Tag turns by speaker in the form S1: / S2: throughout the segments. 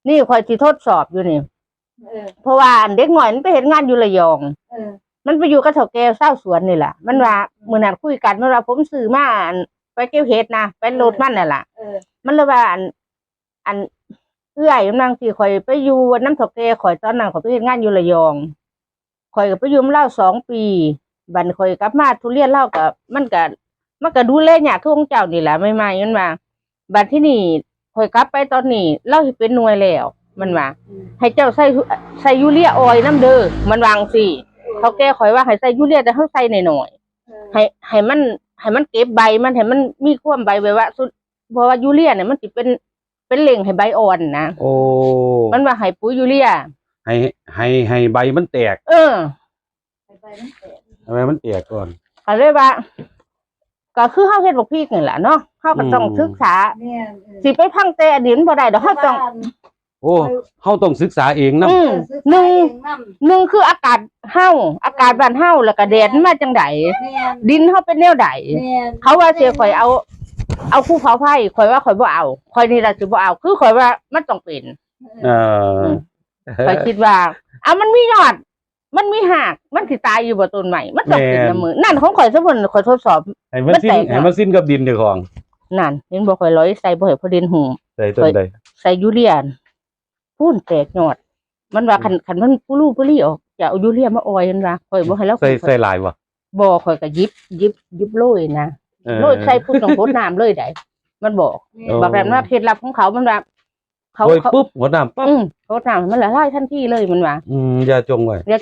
S1: นี่คอยสิทดสอบอยู่นี่เพราะว่าเด็กหน่อยมันไปเห็นงานอยู่ระยองมันไปอยู่กับเฒ่าแก่เศร้าสวนนี่แหละมันว่ามื้อนั้นคุยกันมันว่าผมซื้อมาไปเก็บเห็ดนะไปโลดมันนั่นล่ะมันเลยว่าอันเอื้อยกำลังสิข่อยไปอยู่น้ำเฒ่าแก่ข่อยตอนนั้นข่อยไปเฮ็ดงานอยู่ระยองข่อยก็ไปอยู่นำเลา2 ปีบัดข่อยกลับมาทุเรียนเลาก็มันก็ดูแลยากคือของเจ้านี่แหละใหม่ๆมันว่าบัดที่นี่ข่อยกลับไปตอนนี้เราสิเป็นหน่วยแล้วมันว่าให้เจ้าใส่ยูเรียออยล์น้ำเด้อมันวางสิเขาแก้ข่อยว่าให้ใส่ยูเรียแต่เฮาใส่หน่อยๆให้มันเก็บใบมันให้มันมีความใบไว้ว่าเพราะว่ายูเรียเนี่ยมันสิเป็นเหล่งให้ใบอ่อนนะ
S2: โอ้
S1: มันว่าให้ปุ๋ยยูเรีย
S2: ให้ใบมันแตกให้ใบมันแตกก่อน
S1: ก็เลยว่าก็คือเฮาเฮ็ดบักพริกนี่แหละเนาะเฮาก็ต้องศึกษาสิไปพังแต่อดีตบ่ได้ดอกเฮาต้อง
S2: โอ้เฮาต้องศึกษาเองน
S1: ำหนึ่งคืออากาศบ้านเฮาแล้วก็แดดมาจังได๋ดินเฮาเป็นแนวใดเขาว่าสิข่อยเอาภูเขาไฟข่อยว่าข่อยบ่เอาข่อยนี่ล่ะสิบ่เอาคือข่อยว่ามันต้องเป็นข่อยคิดว่ามันมียอดมันมีหากมันสิตายอยู่บ่ต้นใหม่มันต้องเป็นน้ำมือนั่นของข่อยซะเพิ่นข่อยทดสอบ
S2: ให้มันสิ้นกับดินเด้อของ
S1: นั่นเห็นบ่ข่อยร้อยใส่บ่ให้พอดินหู
S2: ใส่ต้นใด
S1: ใส่ยูเรียพูนแตกยอดมันว่าคันมันปุลี่ออกจะเอายูเรียมาออยมันว่าข่อยบ่ให้แล้ว
S2: ใส่หลายบ่
S1: บ่ข่อยก็ยิบโรยนะโรยใส่พุ่นต้องโพดน้ำเลยได้มันบอกแบบว่าเคล็ดลับของเขามันว่า
S2: เขาปุ๊บหัวน้ำปั๊บ
S1: โพดน้ำมันละลายทันทีเลยมันว่า
S2: อย่าจงไว้
S1: มัน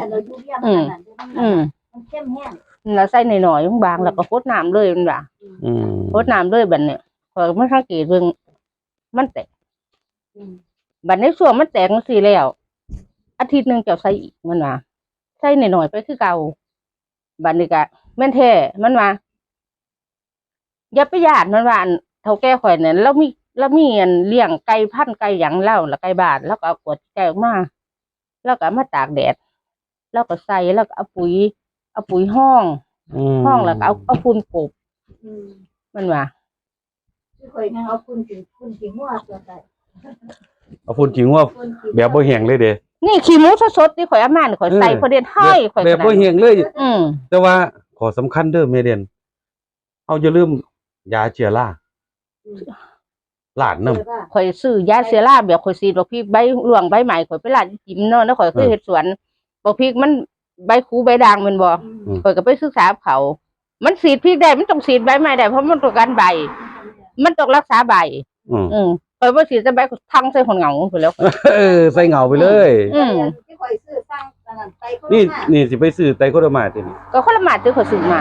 S1: เข้มแห้งแล้วใส่หน่อยๆบางแล้วก็โพดน้ำเลยมันว่าโพดน้ำเลยบัดนี้ข่อยมันสังเกตเบิ่งมันแตกบัดในช่วงมันแตกจังซี่แล้วอาทิตย์นึงจะใส่อีกมันว่าใส่หน่อยๆไปคือเก่าบัดนี้ก็แม่นแท้มันว่าอย่าไปญาติมันว่าเฒ่าแก่ข่อยเนี่ยแล้วมีอันเลี้ยงไก่พันธุ์ไก่หยังเล่าแล้วไก่บ้านแล้วก็เอาขวดไก่ออกมาแล้วก็มาตากแดดแล้วก็ใส่แล้วก็เอาปุ๋ยห้องแล้วก็เอาฝุ่นกบมันว่า
S3: ข่อยเอาฝุ่นขี้งัวตัวใส่
S2: เอาฝุ่นขี้งัวแบบบ่แห้งเลยเด้
S1: นี่ขี้หมูสดๆที่ข่อยเอามาข่อยใส่พอเด็ดให้ข่อย
S2: แบบบ่แห้งเลยแต่ว่าขอสำคัญเด้อแม่เด่นเอาอย่าลืมยาเชื้อราลาดน้
S1: ำข่อยซื้อยาเชื้อราแบบข่อยฉีดบักพริกใบหลวงใบใหม่ข่อยไปลาดจิ้มเนาะแล้วข่อยเคยเฮ็ดสวนบักพริกมันใบคูใบด่างแม่นบ่ข่อยก็ไปศึกษาเขามันฉีดพริกได้มันต้องฉีดใบใหม่ได้เพราะมันต้องการใบมันต้องรักษาใบข่อยบ่ฉีดแต่ใบทั้งใส่คนเหงาไปแล้ว
S2: ใส่เหงาไปเลย
S3: ที่ข่อยซื้อสร้างนั่นไตโค
S2: นี่สิไปซื้อไตโคโดมาติ
S1: ก็คนละมาที่ข่อยซื้อมา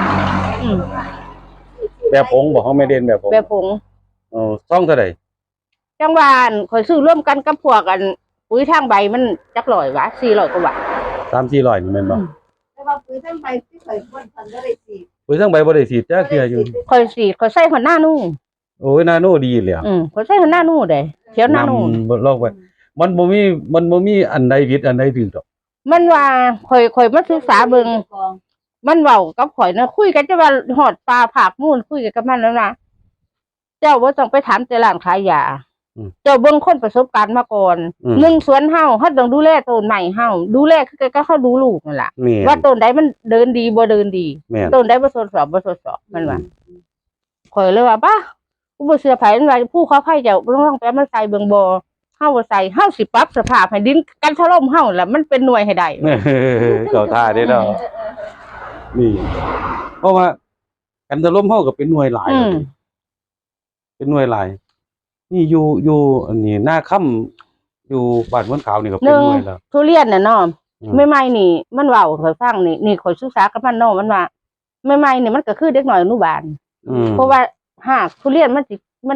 S2: แบบผงบ่ของแม่เด่นแบบผงซ่องเท่าใด
S1: จังหวะข่อยซื้อร่วมกันกับพวกกันปุ๋ยทางใบมันจัก100บาท400กว่าบาท
S2: 3-400นี่แม่นบ่
S3: แต่ว่าปุ๋ยทางใบที่ข่อยบ่ทันได้ฉีด
S2: ปุ๋ยทางใบบ่ได้ฉีดจักเทื่ออยู่
S1: ข่อยฉีดข่อยใส่หัวหน้านู่
S2: โอ้ยนาโนดีเลย
S1: ข่อยใส่หัวหน้านู่เด้เขียวหน้านู่
S2: ลอกไปมันบ่มีอันใดผิดอันใดถูกดอก
S1: มันว่าข่อยมาศึกษาเบิ่งมันเว้ากับข่อยนะคุยกันจะว่าฮอดปลาผากมูนคุยกันกับมันแล้วนะเจ้าบ่ต้องไปถามแต่ร้านขายยาเจ้าเบิ่งคนประสบการณ์มาก่อน1สวนเฮาต้องดูแลต้นใหม่เฮาดูแลคือก็เขาดูลูกนั่นล่ะว่าต้นใดมันเดินดีบ่เดินดีต้นใดบ่ทดสอบมันว่าข่อยเลยว่าป่ะกูบ่เชื่อไผมันว่าผู้เขาไผเจ้าบ่ต้องไปมันใส่เบิ่งบ่เฮาบ่ใส่เฮาสิปรับสภาพให้ดินกันถล่มเฮาล่ะมันเป็นหน่วยให้ได้
S2: เข้าท่าเด้เนาะนี่เพราะว่ากันถล่มเฮาก็เป็นหน่วยหลายเป็นหน่วยหลายนี่อยู่อันนี้หน้าค่ำอยู่บ้านม่วนขาวนี่ก็เป็นหน่วยแล้ว
S1: ทุเรียนน่ะเนาะใหม่ๆนี่มันเว้าข่อยฟังนี่ข่อยศึกษากับมันเนาะมันว่าใหม่ๆนี่มันก็คือเด็กน้อยอนุบาลเพราะว่าหากทุเรียนมันสิ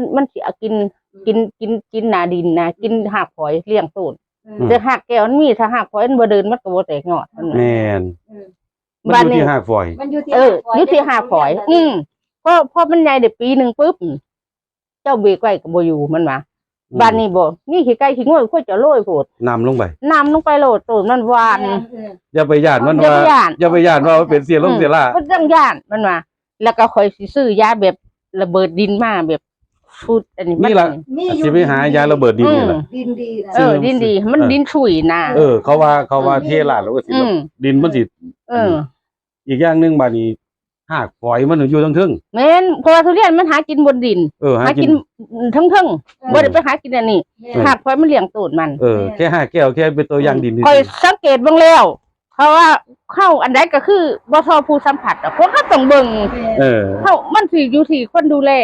S1: กินหน้าดินนะกินหากฝอยเลี้ยงต้นแต่หากแก้วมันมีถ้าหากฝอยมันบ่เดินมันก็บ่แตกยอด
S2: แม่นมันอยู่ที่หากฝอย
S3: มันอยู่
S1: ที่หากฝอยพอมันใหญ่ได้ปีนึงปุ๊บเจ้าเบรกไว้ก็บ่อยู่มันว่าบ้านนี้บ่มีขี้ไก่ขี้งัวค่อยจะโรยโพด
S2: น้ำลงไป
S1: โลดต้นมันหวาน
S2: อย่าไปย่านมันว่าอย่าไปย่านว่าเป็นเสียรา
S1: มันต้องย่านมันว่าแล้วก็ค่อยสิซื้อยาแบบระเบิดดินมาแบบชุดอันนี้มั
S2: นี่ล่ะ
S3: นี่อ
S2: สิ
S3: ยู่
S2: ไปหายาระเบิดดินนี่ล่ะ
S3: ดินดีนะ
S1: ดินดีมันดินฉุยนะ
S2: เขาว่าเทลาดแล้วก็สิแบบดินมันสิ อีกอย่างหนึงบัดนี้หากฝอยมันอยู่ทั้งทึ่ง
S1: แม่นเพราะว่าทุเรียนมันหากินบนดิน
S2: หา
S1: หา
S2: กิ
S1: กิ
S2: น
S1: นทั้งบ่ได้ไปหากินอันนี้หากเพราะมันเลี้ยงตูดมัน
S2: แค่5แก้วแค่เป็นตัวอย่างดิน
S1: คอยสังเกตเบิ่งแล้ว เพราะว่าเข้าอันใดก็คือบ่ทอผู้สัมผัสอ่ะเพราะเขาต้องเบิ่ง เข้ามันสิอยู่ที่คนดูแล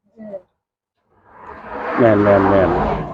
S2: แม่น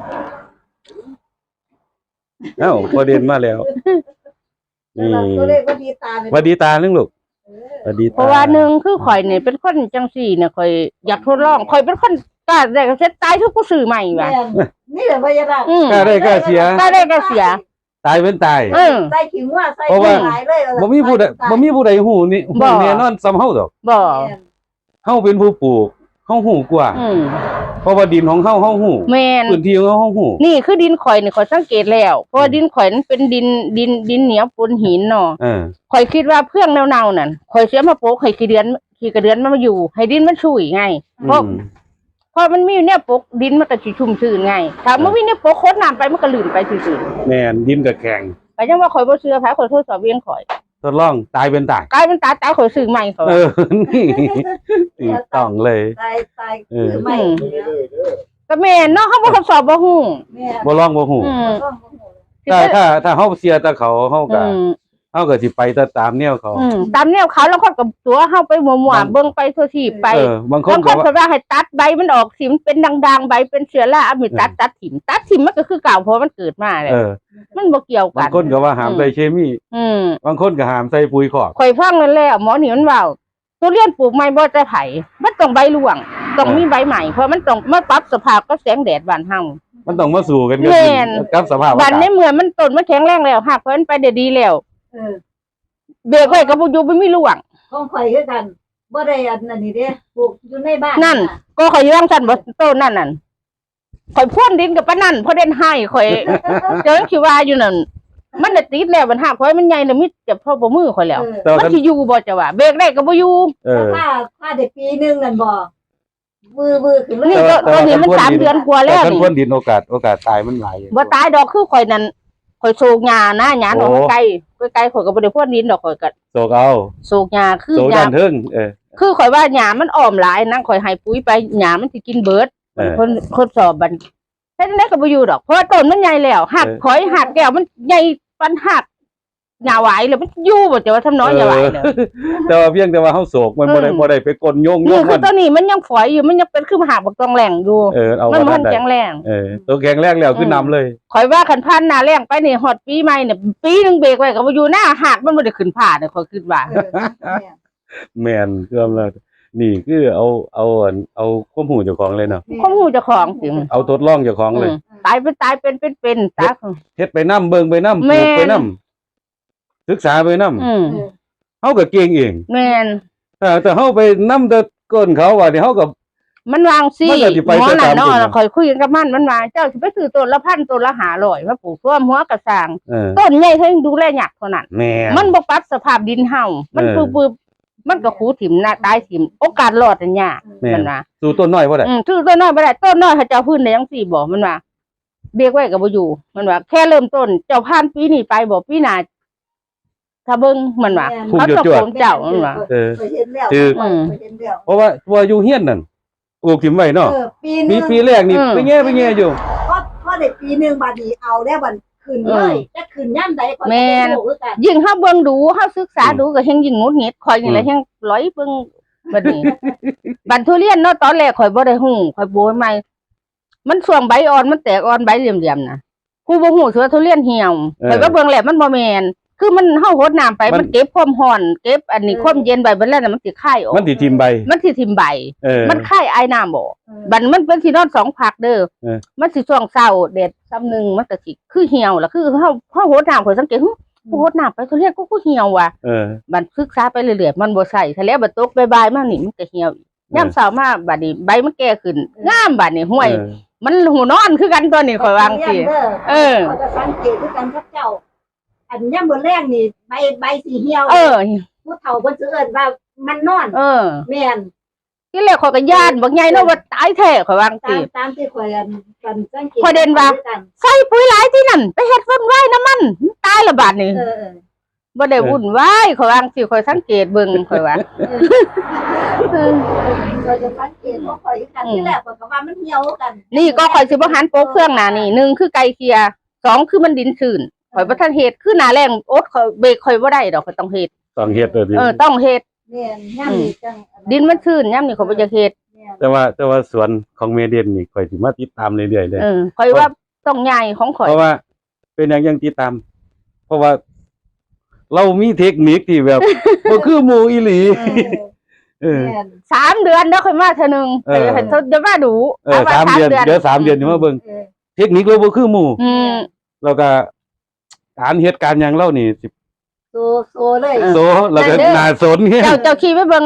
S2: เอ้าประเด็นมาแล้วนี่
S3: ตัวเลขว่าดีตา
S2: หวัดดีตาเรื่องลูกหวัดดีตา
S1: เพราะว่าหนึ่งคือข่อยเนี่ยเป็นคนจังสี่เนี่ยข่อยอยากทดลองข่อยเป็นคนกล้าได้ก็เสร็จตายทุกผู้ซื้อใหม่ว่ะ
S3: นี่แหละพยาบาล
S2: กล้าได้กล้าเสีย
S1: กล้าได้ก็เสีย
S2: ตายเป็นตาย
S3: ใส่ขิงว่าใส่หลายเลย
S2: บ่มีผู้ใดฮู้นี่ฮู้แน่นอนซ้ำเฮาดอก
S1: บ่
S2: เฮาเป็นผู้ปลูกเฮาฮู้กว่าเพราะว่าดินของเฮาฮู้
S1: แม่น
S2: พื้นที่ของเฮาฮู้
S1: นี่คือดินข่อยนี่ข่อยสังเกตแล้วเพราะว่าดินข่อยนั้นเป็นดินเหนียวปนหินเนาะข่อยคิดว่าเพื่องเน่าๆนั่นข่อยเสียมาโปกให้ขี้กระเดือนมันมาอยู่ให้ดินมันชุ่ยไงเพราะมันมีเนี่ยปกดินมันก็สิชุ่มชื้นไงถ้ามันมีเนี่ยปกโคตรน้ำไปมันก็ลื่นไปซื่อ
S2: แม่นดินก็แข็ง
S1: ๆก็ยังว่าข่อยบ่เชื่อไผข่อยทดสอบเองข่อย
S2: ทดลองตายเป็นตาย
S1: กลายเป็นตาข่อยซื้อใหม่ข่อย
S2: นี่ถูกต้องเลย
S3: ตายคือไม่
S1: ก็แม่นเนาะเฮาบ่ทดสอบบ่ฮู้
S2: บ่ลองบ่ฮู้ถ้าเฮาเสียแต่เขาเฮาก็สิไปตามแนวเขา
S1: ตามแนวเขาแล้วคนกับตัวเฮาไปมั่วๆเบิ่งไปทั่วที่ไป
S2: บางค
S1: บาน งค
S2: ก็
S1: นเขาว่าให้ตัดใบมันออกสิมันเป็นดังๆใบเป็นเชื้อราเอามีตัดถิ่มมันก็คือเก่าเพราะมันเกิดมาเลยมันบ่เกี่ยวกับ
S2: าน งคนก็ว่าห้ามใส่เคมีบางคนก็ห้ามใส่ปุ๋ยคอก
S1: ข่อยฟังนั่นแล้วหมอนี่มันเว้าทุเรียนปลูกใหม่บ่จะไผมันต้องใบร่วงต้องมีใบใหม่เพราะมันต้องมาปรับสภาพกับแสงแดดบ้านเฮา
S2: มันต้องมาสู่กันกับสภาพ
S1: บ้านในเมืองมันต้นมันแข็งแรงแล้วหากเพิ่นไปได้ดีแล้วเบรกไว้ก็บ่อยู่บ่มีร่วง
S3: ของข่อยคือกันบ่ได้อันนั้นนี่เด้ปลูกอยู่ในบ้าน
S1: นั่นก็ข่อยย่างสั่นบ่ต้นนั่นข่อยพ่นดินกับปะนั่นเพราะเด่นให้ข่อยเจอคิดว่าอยู่นั่นมันน่ะติดแล้วมันหักข่อยมันใหญ่แล้วมิจะพอบ่มือข่อยแล้วมันสิอยู่บ่จะว่าเบรกได้ก็บ่อยู่
S3: ถ้าได้ปีนึงนั่นบ่วือขึ้นเลย
S1: นี่ก็ตอนนี้มัน3 เดือนกว่าแล้ว
S2: แต่
S1: นี่
S2: พ่นดินโอกาสตายมันหลาย
S1: บ่ตายดอกคือข่อยนั่นข่อยโศกหญ้านะหญ้าดอกไกลข่อยก็บ่ได้พ่นดินดอกข่อยก็
S2: โศกเอา
S1: โศกหญ้าคือ
S2: โศก
S1: หญ้า
S2: ด้านเทิง
S1: คือข่อยว่าหญ้ามันอ้อมหลายนั่งข่อยให้ปุ๋ยไปหญ้ามันสิกินเบิดคนทดสอบบัดแต่จังได๋ก็บ่อยู่ดอกเพราะว่าต้นมันใหญ่แล้วหักข่อยหักแก้วมันใหญ่ปานหักหญ้าหวายแล้วมันอยู่บ่จะว่าทำน้อยหญ้าหวายเลย
S2: แต่ว่าเพียงแต่ว่าเฮาโศกมันบ่ได้ไปกลโยง
S1: นี่คื
S2: มั
S1: อตัวนี้มันยังฝอยอยู่มันยังเป็นคือหักบักตองแหล่งอยู่
S2: เอา
S1: มัน
S2: ว่า
S1: มัน
S2: ได้
S1: แข็งแรง
S2: ตัวแข็งแรงแล้วคือนำเลย
S1: ข่อยว่าคันพันหน้าแรงไปนี่ฮอดปีใหม่เนี่ยปีนึงเบรกไว้ก็บ่อยู่หน้าหักมันบ่ได้ขึ้นผ่าเนี่ยข่อยคิดว่า
S2: แม่นเกือบแล้วนี่คือเอาความหูเจ้าของเลยเนาะ
S1: ข้อมูลเจ้าของสิ
S2: เอาทดลองเจ้าของเลย
S1: ตายเป็นตา
S2: เฮ็ดไปนำเบิ่งไปนำปลูกไปนำศึกษาไปนำเฮาก็เก่งเอง
S1: แม่น
S2: แต่เฮาไปนำแต่ก้นเขาว่านี่เฮาก็
S1: มันวางสิ
S2: มันก็สิไป
S1: หมอนั่น
S2: ตาม
S1: เนาะ
S2: จริง
S1: ข่อยคุยกันกับมันว่าเจ้าสิไปซื้อต้นละ1,000ต้นละ500มาปลูกท่วมหัวกระสางต้นใหญ่เท่าดูแลยากเท่านั้น
S2: แม่
S1: มันบ่ปรับสภาพดินเฮามันปื้อมันก็ขูถิ่มหน้าตายถิ่มโอกาสรอดอันยากมันว่า
S2: สู่ต้นน้อยบ่ได้
S1: ซื้อต้นน้อยบ่ได้ต้นน้อยเขาเจ้าพื้นได้จังซี่บ่มันว่าเบรกไว้ก็บ่อยู่มันว่าแค่เริ่มต้นเจ้าผ่านปีนี้ไปบ่ปีหน้าถ้าเบิ่งมันว่าเขาต้องโกนเจ้ามันว่า
S3: เห็นแล้วเห็นแล้ว
S2: เพราะว่าอยู่เฮียนนั่นปลูกถิ่มไว้เนาะ
S3: ปี
S2: ปีแรกนี่ไปแง่อยู่
S3: พอได้ปีนึงบัดนี้เอาแล้วบัดขึ้นเลยจะขึ้นย่ำใดก็คือกัน
S1: ยิ่งเฮาเบิ่งดูเฮาศึกษาดูก็แฮงยิ่งงุดหงิดข่อยนี่แหละแฮงร้อยเบิ่งบัดนี้ บัดทุเรียนเนาะตอนแรกข่อยบ่ได้ฮู้ข่อยโบยใหม่มันช่วงใบอ่อนมันแตกอ่อนใบเหลี่ยมๆน่ะกูบ่ฮู้ว่าทุเรียนเหี่ยวข่อยก็เบิ่งแล้วมันบ่แม่นคือมันเฮาหดน้ำไปมันเก็บความร้อนเก็บอันนี้ความเย็นไว้เบิดแล้วน่ะมันสิคายออก
S2: มันสิทิ่มใบ
S1: มันสิทิ่มใบมันคายไอน้ำบ่บัดมันเป็นสินอน2พักเด้อมันสิช่วงเช้าแดดซ้ำนึงมันก็สิคือเหี่ยวล่ะคือเฮาหดน้ำข่อยสังเกตกูหดน้ำไปทุเรียนกูเหี่ยวว่ะบัดศึกษาไปเรื่อยๆมันบ่ใส่ถ้าแล้วบัดตกบ่ายๆมานี่มันก็เหี่ยวอีกยามเช้ามาบัดนี้ใบมันแก่ขึ้นงามบัดนี้ห้วยมันหูนอนคือกันตัวนี้ข่อยวางสิ
S3: ก็จะสังเกตคือกันกับเจ้าอันย่ำบนแรกนี่ใบสีเหี่ยวผู้เฒ่าเพิ่นสิเอิ้นว่ามันนอนแม่น
S1: คืที่แรกข่อยก็ย่านบักใหญ่เนาะว่าตายแท้ข่อยวาจัง
S3: ตา
S1: ซี่
S3: มตามที่ข่อยกันสังเกต
S1: ข่อยเด่นว่า ใส่ปุ๋ยหลายที่นั่นไปเฮ็ดวุ่นวายน้ำมันตายละบาดนี่
S3: เออ
S1: บ่ได้วุ่นวายข่อยวาจังซี่ข่อยสังเกตเบิ่งข่อยว่า
S3: เราจะสังเกตว่าข่อยกันที่แรกข่อยก็ว่ามันเหี่ยวกัน
S1: นี่ก็ข่อยสิบ่หันโป๊กเครื่องหน้านี่หนึ่งคือไก่เคียสองคือมันดินชื้นข่อยบ่ทันเฮ็ดคือหน้าแรงโอ๊ตข่อยเบรกข่อยบ่ได้ดอกข่อยต้องเฮ็ด
S2: ต้องเฮ็ดเลยดิ
S1: ต้องเฮ็ด
S3: แม่นย่ำนี่จัง
S1: ดินมันชื้นยามนี้ข่อยบ่อยากเฮ็ด
S2: แต่ว่าสวนของเมเดนนี่ข่อยสิมาติดตามเรื่อยๆเลย
S1: ข่อยว่าต้องใหญ่ของข่อย
S2: เพราะว่าเป็นอย่างยังติดตาม เพราะว่า เรามีเทคนิคที่แบบ บ่คือหมู่อีหลี เออ
S3: แม่น
S1: 3 เดือนเด้อค่อยมาเทื่อนึง
S2: เออ
S1: ให้เธอจะมาดู
S2: สามเดือนเดี๋ยว3 เดือนสิมาเบิ่ง
S3: เออ
S2: เทคนิคเราบ่คือหมู่
S1: อืม
S2: แล้วก็การเฮ็ดการหยังเรานี่สิ
S3: โซเลย
S2: โซแล้วก็น่าสนเงี้ย
S1: เจ้าขี่ไปเบิ่ง